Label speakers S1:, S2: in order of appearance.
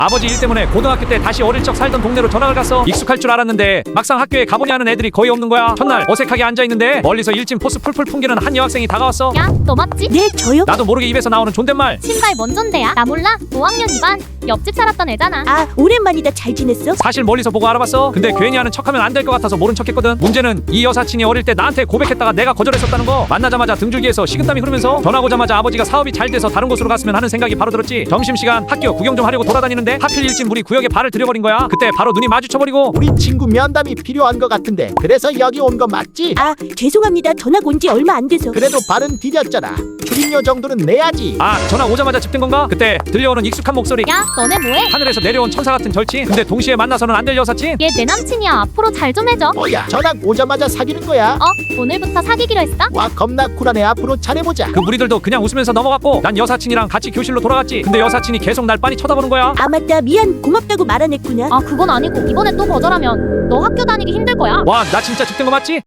S1: 아버지 일 때문에 고등학교 때 다시 어릴 적 살던 동네로 전학을 갔어. 익숙할 줄 알았는데 막상 학교에 가보니 하는 애들이 거의 없는 거야. 첫날 어색하게 앉아있는데 멀리서 일진 포스 풀풀 풍기는 한 여학생이 다가왔어.
S2: 야, 너 맞지?
S3: 네, 저요?
S1: 나도 모르게 입에서 나오는 존댓말.
S2: 신발 뭔 존대야? 나 몰라. 5학년 2반. 옆집 살았던 애잖아.
S3: 아, 오랜만이다. 잘 지냈어?
S1: 사실 멀리서 보고 알아봤어. 근데 괜히 하는 척하면 안 될 것 같아서 모른 척했거든. 문제는 이 여사친이 어릴 때 나한테 고백했다가 내가 거절했었다는 거. 만나자마자 등줄기에서 식은땀이 흐르면서 전학 오자마자 아버지가 사업이 잘 돼서 다른 곳으로 갔으면 하는 생각이 바로 들었지. 점심시간 학교 구경 좀 하려고 돌아다니는데 하필 일진 우리 구역에 발을 들여버린 거야. 그때 바로 눈이 마주쳐버리고.
S4: 우리 친구 면담이 필요한 것 같은데 그래서 여기 온 거 맞지?
S3: 아, 죄송합니다. 전학 온 지 얼마 안 돼서.
S4: 그래도 발은 디뎠잖아. 출입료 정도는 내야지.
S1: 아, 전화 오자마자 집된 건가? 그때 들려오는 익숙한 목소리.
S2: 야, 너네 뭐해?
S1: 하늘에서 내려온 천사 같은 절친. 근데 동시에 만나서는 안 될 여사친.
S2: 얘 내 남친이야. 앞으로 잘 좀 해줘.
S4: 뭐야 전학 오자마자 사귀는 거야?
S2: 오늘부터 사귀기로 했어?
S4: 와 겁나 쿨하네. 앞으로 잘해보자.
S1: 그 무리들도 그냥 웃으면서 넘어갔고 난 여사친이랑 같이 교실로 돌아갔지. 근데 여사친이 계속 날 빤히 쳐다보는 거야.
S3: 아, 맞다. 미안. 고맙다고 말 안 했구나.
S2: 아, 그건 아니고 이번에 또 거절하면 너 학교 다니기 힘들 거야.
S1: 와, 나 진짜 집된 거 맞지?